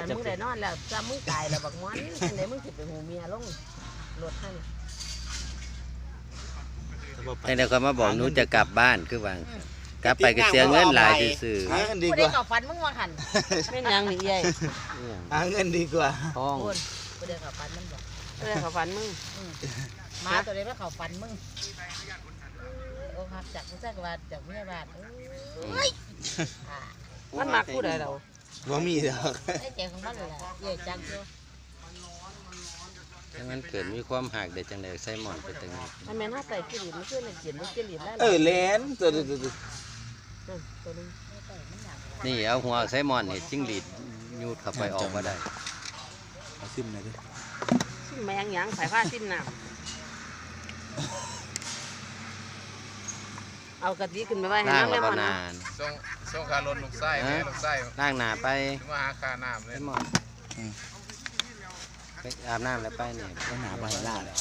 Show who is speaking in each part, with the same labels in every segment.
Speaker 1: มึงได้นอนแล้วจำมึงตายแล้วบักม้อนจังไดมึงสิไปหูเมียลงรถให้
Speaker 2: แต่เดี๋ยวเขามาบอกหนูจะกลับบ้านคือว่ากลับไปก็เสียเงินหลายซื่อ
Speaker 3: หาเงินดี
Speaker 1: ผู้
Speaker 3: ก
Speaker 1: ใด
Speaker 3: ว่า
Speaker 1: เข้าฝันมึงว่าหั่นแม่นยังนี่ใหญ่
Speaker 3: หาเงินดีกว่า
Speaker 2: ท้อง
Speaker 1: คนผู้ใดเข้าฝันมันบ่
Speaker 4: ผู้ใดเข้าฝันมึง
Speaker 1: หมาตัวใดมาเข้าฝันมึงโอ้หักจากผู้ชายว่าจากเมียบ้านเอ้ย
Speaker 4: มันมักผู้ใดเรา
Speaker 3: บ่มีดอก
Speaker 1: ไอ้แจงของมันเลยล่ะใหญ่จังเชียว
Speaker 2: ถ้างั้นเกิดมีความหักเด็ดจังไดใส่หมอนไปตรงนี้
Speaker 1: อันแม่นหาใส่กิริมันขึ้นในเขียนมันกิริได้
Speaker 3: แหลนตัว
Speaker 1: ตัวนึง
Speaker 2: นี่เอาหัวใส่หมอนนี่จิ้งหรีดยูดเข้าไปออกมาได้
Speaker 3: เอาซิมหน่อยดิ
Speaker 4: ซิมแมงหยังสายผ้าซิมน้ำเอากะทิขึ้นไปไว้ให้
Speaker 2: ล้าง
Speaker 4: น้ำ
Speaker 2: แล้ว
Speaker 4: แล้ว
Speaker 2: บ่
Speaker 4: มัน
Speaker 2: นาน
Speaker 5: ส่งคารถลูกไส้แม่ลูกไส้
Speaker 2: ล้างหน้าไป
Speaker 5: มาหาค่าน้ำเลย
Speaker 2: ใส่หมอนไปอาบน้ำแล้วไปเนี่ย
Speaker 3: ต้องหาใบหน้าเลย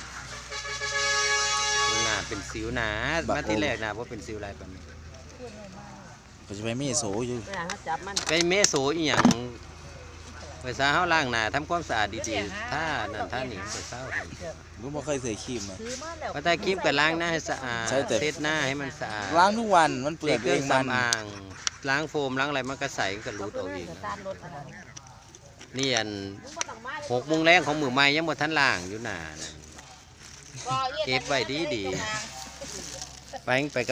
Speaker 2: หน้าเป็นสิวหนามาที่แรกหน้าว่าเป็นสิวลายปานนี้
Speaker 3: ก็จะไปมีโสอยู่
Speaker 4: เวลาเขาจับมัน
Speaker 2: ไปเมโซอีหยังไปซาเฮาล้างหน้าทำความสะอาดดีๆถ้านั่นถ้านี่ไปเศร้า
Speaker 3: รู้บ่เคยใส่ครีมเลย
Speaker 1: ซื้อมาแล้ว
Speaker 2: พอตาครีมก็ล้างหน้าให้สะอาด
Speaker 3: ใช่แต่
Speaker 2: เช็ดหน้าให้มันสะอาด
Speaker 3: ล้างทุกวันมันเปื่
Speaker 2: เด็
Speaker 3: อย
Speaker 2: กเค
Speaker 3: เอ
Speaker 2: รื่อง
Speaker 3: งมัน
Speaker 2: สำอางล้างโฟมล้างอะไรมันก็ใสก็รูดออกเอง
Speaker 1: ตาลรถอะไร
Speaker 2: นี่อัน6 โมงแรงของมือใหม่ยังบ่ทันล้างอยู่หน้านะเก็บไว้ดีๆไปกับ